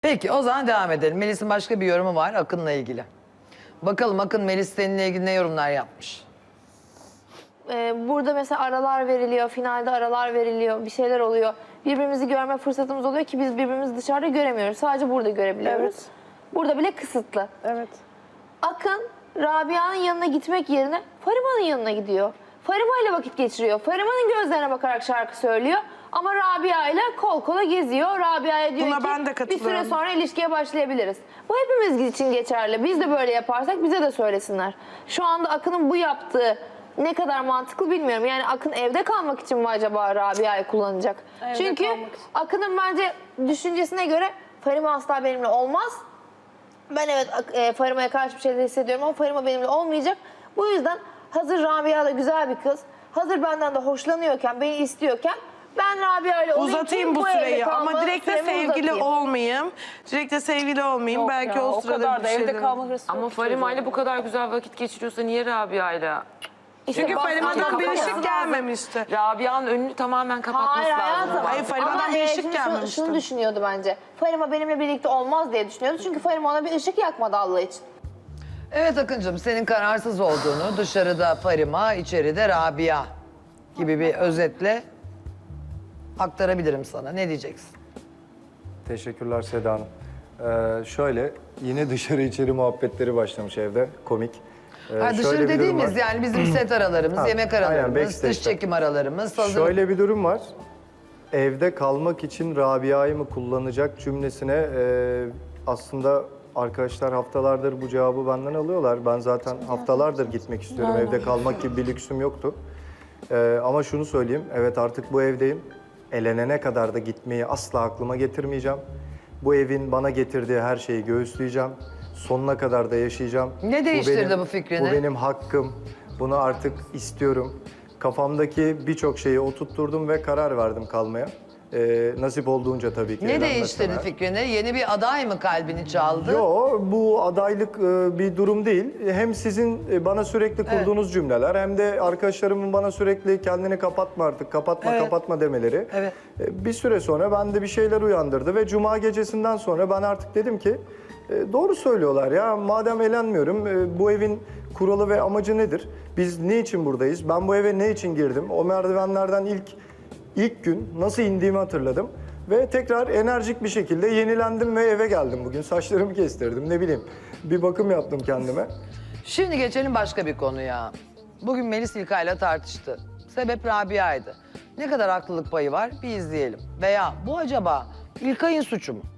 Peki o zaman devam edelim. Melis'in başka bir yorumu var Akın'la ilgili. Bakalım Akın Melis seninle ilgili ne yorumlar yapmış? Burada mesela aralar veriliyor, finalde aralar veriliyor, bir şeyler oluyor. Birbirimizi görme fırsatımız oluyor ki biz birbirimizi dışarıda göremiyoruz. Sadece burada görebiliyoruz. Evet. Burada bile kısıtlı. Evet. Akın, Rabia'nın yanına gitmek yerine Farima'nın yanına gidiyor. Farima ile vakit geçiriyor. Farima'nın gözlerine bakarak şarkı söylüyor. Ama Rabia ile kol kola geziyor. Rabia'ya diyor Buna ki ben de bir katılıyorum. süre sonra ilişkiye başlayabiliriz. Bu hepimiz için geçerli. Biz de böyle yaparsak bize de söylesinler. Şu anda Akın'ın bu yaptığı ne kadar mantıklı bilmiyorum. Yani Akın evde kalmak için mi acaba Rabia'yı kullanacak? Evde Çünkü kalmak için. Akın'ın bence düşüncesine göre Farima asla benimle olmaz. Ben evet Farima'ya karşı bir şeyler hissediyorum ama Farima benimle olmayacak. Bu yüzden hazır Rabia da güzel bir kız. Hazır benden de hoşlanıyorken, beni istiyorken ben Rabia ile olayım Uzatayım ki bu evde süreyi kalma ama direkt de süremi sevgili uzatayım. olmayayım. Direkt de sevgili olmayayım. Yok Belki ya, o sırada kadar bir da şeyler. evde kalma hırsı Ama yok Farima ile çocuğun. bu kadar güzel vakit geçiriyorsa niye Rabia'yla? İşte Çünkü bas- Farima'dan Ama bir kapatması ışık lazım. gelmemişti. Rabia'nın önünü tamamen kapatması Hayır lazım. hayatım. Hayır, Farima'dan Ama, bir ışık şimdi gelmemişti. Şunu düşünüyordu bence. Farima benimle birlikte olmaz diye düşünüyordu. Çünkü Farima ona bir ışık yakmadı Allah için. Evet Akıncığım senin kararsız olduğunu dışarıda Farima, içeride Rabia gibi bir özetle aktarabilirim sana. Ne diyeceksin? Teşekkürler Seda Hanım. Şöyle, yine dışarı içeri muhabbetleri başlamış evde, komik. Ha, Şöyle dışarı bir durum dediğimiz var. yani bizim set aralarımız, Ha, yemek aynen, aralarımız, backstage'de. dış çekim aralarımız. Hazır. Şöyle bir durum var. Evde kalmak için Rabia'yı mı kullanacak cümlesine aslında arkadaşlar haftalardır bu cevabı benden alıyorlar. Ben zaten haftalardır gitmek istiyorum. Evde kalmak gibi bir lüksüm yoktu. Ama şunu söyleyeyim, evet artık bu evdeyim. Elenene kadar da gitmeyi asla aklıma getirmeyeceğim. Bu evin bana getirdiği her şeyi göğüsleyeceğim. Sonuna kadar da yaşayacağım. Ne değiştirdi benim- bu fikrini? Bu benim hakkım. Bunu artık istiyorum. Kafamdaki birçok şeyi oturtturdum ve karar verdim kalmaya. Nasip olduğunca tabii ki. Ne elenmesine. değiştirdi fikrini? Yeni bir aday mı kalbini çaldı? Yo, bu adaylık bir durum değil. Hem sizin bana sürekli kurduğunuz cümleler hem de arkadaşlarımın bana sürekli kendini kapatma artık, kapatma, Evet. kapatma demeleri. Evet. Bir süre sonra bende bir şeyler uyandırdı ve Cuma gecesinden sonra ben artık dedim ki doğru söylüyorlar ya, madem elenmiyorum bu evin kuralı ve amacı nedir? Biz ne için buradayız? Ben bu eve ne için girdim? O merdivenlerden ilk gün nasıl indiğimi hatırladım. Ve tekrar enerjik bir şekilde yenilendim ve eve geldim bugün. Saçlarımı kestirdim, ne bileyim. Bir bakım yaptım kendime. Şimdi geçelim başka bir konuya. Bugün Melis İlkay'la tartıştı. Sebep Rabia'ydı. Ne kadar haklılık payı var bir izleyelim. Veya bu acaba İlkay'ın suçu mu?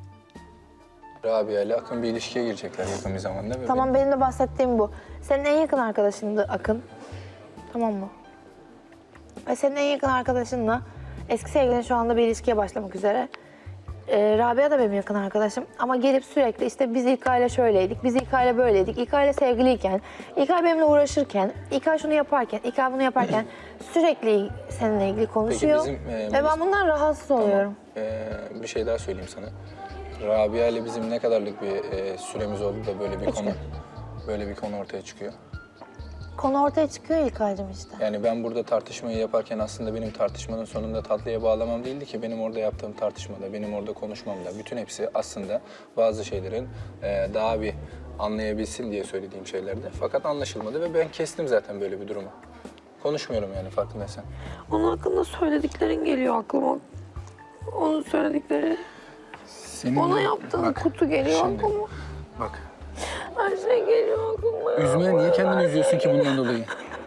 Rabia ile Akın bir ilişkiye girecekler yakın bir zamanda. Ve Tamam benim de bahsettiğim bu. Senin en yakın arkadaşındı Akın. Tamam mı? Ve senin en yakın arkadaşınla eski sevgilin şu anda bir ilişkiye başlamak üzere. Rabia da benim yakın arkadaşım ama gelip sürekli işte biz İlkay'la şöyleydik, biz İlkay'la böyleydik, İlkay'la sevgiliyken, İlkay benimle uğraşırken, İlkay şunu yaparken, İlkay bunu yaparken sürekli seninle ilgili konuşuyor. bizim, Ve ben bundan rahatsız oluyorum. bir şey daha söyleyeyim sana. Rabia ile bizim ne kadarlık bir süremiz oldu da böyle bir konu ortaya çıkıyor. Konu ortaya çıkıyor İlkay'cığım işte. Yani ben burada tartışmayı yaparken aslında benim tartışmanın sonunda tatlıya bağlamam değildi ki, benim orada yaptığım tartışmada, benim orada konuşmamda bütün hepsi aslında bazı şeylerin daha bir anlayabilsin diye söylediğim şeylerdi. Fakat anlaşılmadı ve ben kestim zaten böyle bir durumu. Konuşmuyorum yani, farkındaysan. Onun hakkında söylediklerin geliyor aklıma. Onun söyledikleri, Senin ona yaptığın kutu geliyor şimdi, aklıma. Bak, Her şey geliyor aklıma. üzme, niye kendini üzüyorsun ki bundan dolayı?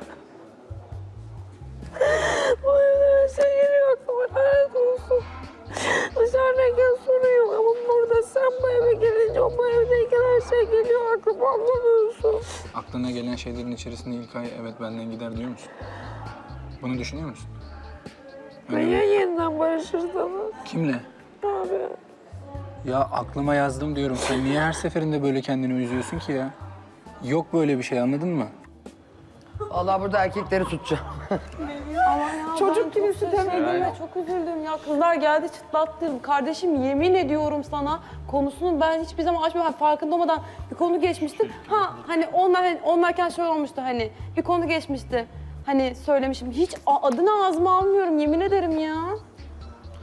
Bu evde her şey geliyor aklıma. Lanet olsun. Dışarıdayken sorun yok ama burada sen bu eve gelince, o bu evdeyken her şey geliyor aklıma, anlamıyorsun. Aklına gelen şeylerin içerisinde İlkay evet benden gider diyor musun? Bunu düşünüyor musun? Ve ya yeniden barışırsanız? Kimle? Abi. Ya aklıma yazdım diyorum. Sen niye her seferinde böyle kendini üzüyorsun ki ya? Yok böyle bir şey, anladın mı? Vallahi burada erkekleri tutacağım. Çocuk gibi süt emmedim ve çok üzüldüm ya. Kızlar geldi çıtlattım. Kardeşim yemin ediyorum sana konusunu ben hiçbir zaman açmıyorum. Hani farkında olmadan bir konu geçmişti. Ha hani onlarken şöyle olmuştu, hani bir konu geçmişti. Hani söylemişim. Hiç adını ağzıma almıyorum, yemin ederim ya.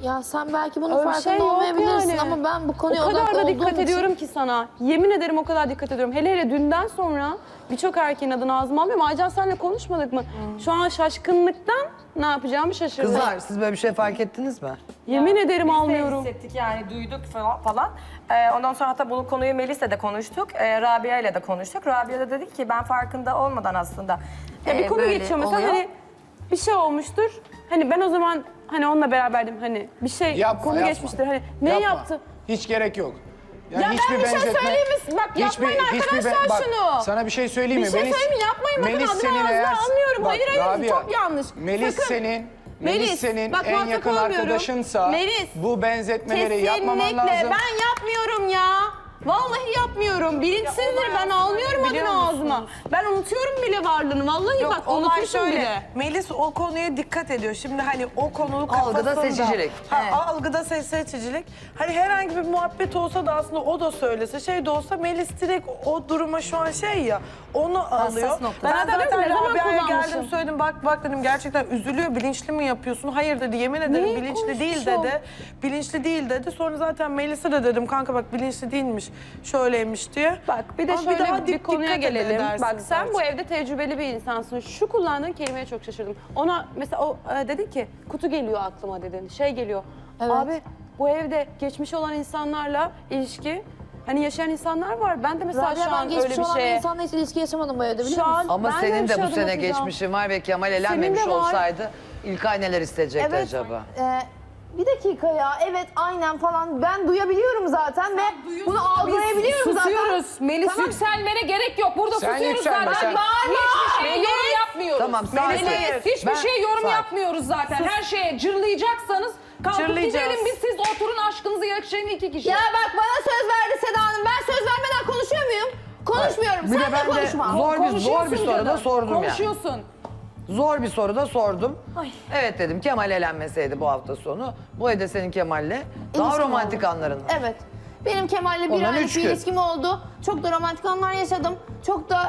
Ya sen belki bunun Öyle bir farkında şey yok olmayabilirsin yani. ama ben bu konuya O kadar odaklı da olduğum dikkat için... ediyorum ki sana. Yemin ederim o kadar dikkat ediyorum. Hele hele dünden sonra birçok erkeğin adını ağzıma almıyorum. Aycan senle konuşmadık mı? Şu an şaşkınlıktan ne yapacağımı şaşırdım. Kızlar siz böyle bir şey fark ettiniz mi? Yemin ederim Biz de almıyorum. hissettik yani duyduk falan. Ondan sonra hatta bu konuyu Melis'le de konuştuk. Rabia ile de konuştuk. Rabia da dedi ki ben farkında olmadan aslında Ya bir konu böyle geçiyor mesela oluyor. hani bir şey olmuştur. Hani ben o zaman hani onunla beraberdim hani bir şey konu geçmiştir. Hani ne Yapma. yaptı? Hiç gerek yok. Ya ben bir şey söyleyeyim mi? Bak yapmayın arkadaşlar bak, şunu. Sana bir şey söyleyeyim Bir mi? şey söyleyeyim mi? Yapmayın bakın Melis adını senin ağzına eğer- almıyorum. Bak, Hayır hayır Rabia, çok yanlış. Melis Sakın. senin Melis, senin bak, en muhatap yakın olmuyorum. arkadaşınsa Melis, bu benzetmeleri yapmaman Kesinlikle lazım. ben yapmıyorum ya. Vallahi yapmıyorum. Bilinçsizdir ben almıyorum adını ağzıma. Ben unutuyorum bile varlığını. Vallahi bak olay unutmuşum şöyle. bile. Melis o konuya dikkat ediyor. Şimdi hani o konu Algıda kafasında. seçicilik. Algıda seçicilik. Hani herhangi bir muhabbet olsa da aslında o da söylese şey de olsa Melis direkt o duruma şu an şey ya onu alıyor. nokta. Ben Ben de diyorum, ne zaten zaman Rabia'ya kullanmışım? geldim söyledim bak dedim gerçekten üzülüyor bilinçli mi yapıyorsun? Hayır dedi yemin ederim Neyi bilinçli değil konuşmuşum? dedi. Bilinçli değil dedi. Sonra zaten Melis'e de dedim kanka bak bilinçli değilmiş şöyleymiş diye. Bak bir de Ama şöyle daha bir konuya dikkat gelelim. edersiniz Bak sen artık. bu evde tecrübeli bir insansın. Şu kullandığın kelimeye çok şaşırdım. Ona mesela o dedin ki kutu geliyor aklıma dedin. Şey geliyor. Evet. Abi bu evde geçmiş olan insanlarla ilişki hani yaşayan insanlar var. Ben de mesela Rabia şu ben an geçmiş öyle bir olan bir şeye insanla hiç ilişki yaşamadım bu evde biliyor Şu musun? an Ama ben senin öyle bir de şey bu sene adım atacağım. geçmişin var ve Kemal elenmemiş Senin de var. olsaydı İlkay neler isteyecekti Evet. acaba? Bir dakika ya. Evet aynen falan. Ben duyabiliyorum zaten ve bunu algılayabiliyorum zaten. Susuyoruz. Melis yükselmene gerek yok. Burada Sen susuyoruz yükselme, zaten. sen- Hiçbir şey yorum yapmıyoruz. Tamam, sakin. Melis, hiçbir Ben- şey yorum sakin. yapmıyoruz zaten. Her şeye cırlayacaksanız kalkıp Cırlayacağız. gidelim biz siz oturun aşkınızı yaşayın iki kişi. Ya bak bana söz verdi Seda Hanım. Ben söz vermeden konuşuyor muyum? Konuşmuyorum. Bir de Sen de ben de konuşma. zor bir Konuşuyorsun soru da canım. sordum yani. Konuşuyorsun. Zor bir soru da sordum. Evet dedim Kemal elenmeseydi bu hafta sonu. Bu evde senin Kemal'le daha İlişkim romantik oldu. anların var. Evet. Benim Kemal'le bir Ondan aylık üç bir gün. ilişkim oldu. Çok da romantik anlar yaşadım. Çok da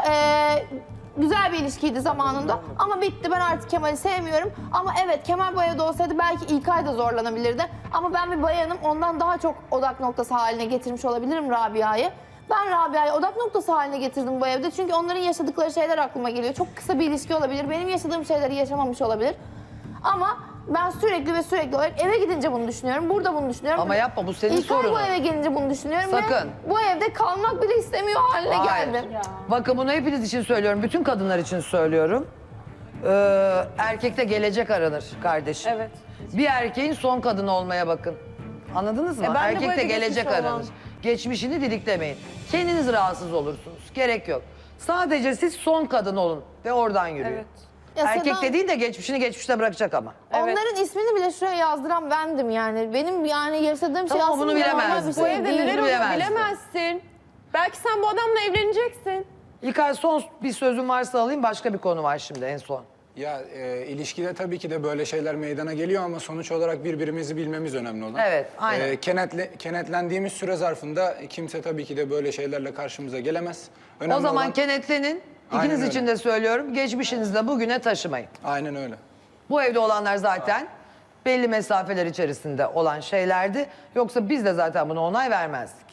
güzel bir ilişkiydi zamanında. Ama bitti. Ben artık Kemal'i sevmiyorum. Ama evet Kemal bu evde olsaydı belki İlkay da zorlanabilirdi. Ama ben bir bayanım. Ondan daha çok odak noktası haline getirmiş olabilirim Rabia'yı. Ben Rabia'yı odak noktası haline getirdim bu evde. Çünkü onların yaşadıkları şeyler aklıma geliyor. Çok kısa bir ilişki olabilir. Benim yaşadığım şeyleri yaşamamış olabilir. Ama ben sürekli olarak eve gidince bunu düşünüyorum. Burada bunu düşünüyorum. Ama yapma, bu senin İlkay sorunun. bu eve gelince bunu düşünüyorum. Sakın. Ve bu evde kalmak bile istemiyor haline Hayır. geldim. Bakın bunu hepiniz için söylüyorum. Bütün kadınlar için söylüyorum. Erkekte gelecek aranır kardeşim. Evet. Bir erkeğin son kadın olmaya bakın. Anladınız mı? ben de bu Erkekte evde gelecek geçmiş olan- aranır. Geçmişini didiklemeyin. Kendiniz rahatsız olursunuz. Gerek yok. Sadece siz son kadın olun ve oradan yürüyün. Evet. Ya Erkek Seda- dediğin de geçmişini geçmişte bırakacak ama. Onların ismini bile şuraya yazdıran bendim yani. Benim yani yaşadığım şey Tamam, aslında bunu normal bilemezdin. bir şey Bu evde değil. neler oluyor bilemezsin. bilemezsin. Belki sen bu adamla evleneceksin. İlkay son bir sözüm varsa alayım. Başka bir konu var şimdi en son. Ya ilişkide tabii ki de böyle şeyler meydana geliyor ama sonuç olarak birbirimizi bilmemiz önemli olan. Evet, aynen. Kenetlendiğimiz süre zarfında kimse tabii ki de böyle şeylerle karşımıza gelemez. Önemli O zaman olan- kenetlenin. Aynen İkiniz öyle. için de söylüyorum. Geçmişinizi de bugüne taşımayın. Aynen öyle. Bu evde olanlar zaten belli mesafeler içerisinde olan şeylerdi. Yoksa biz de zaten buna onay vermezdik.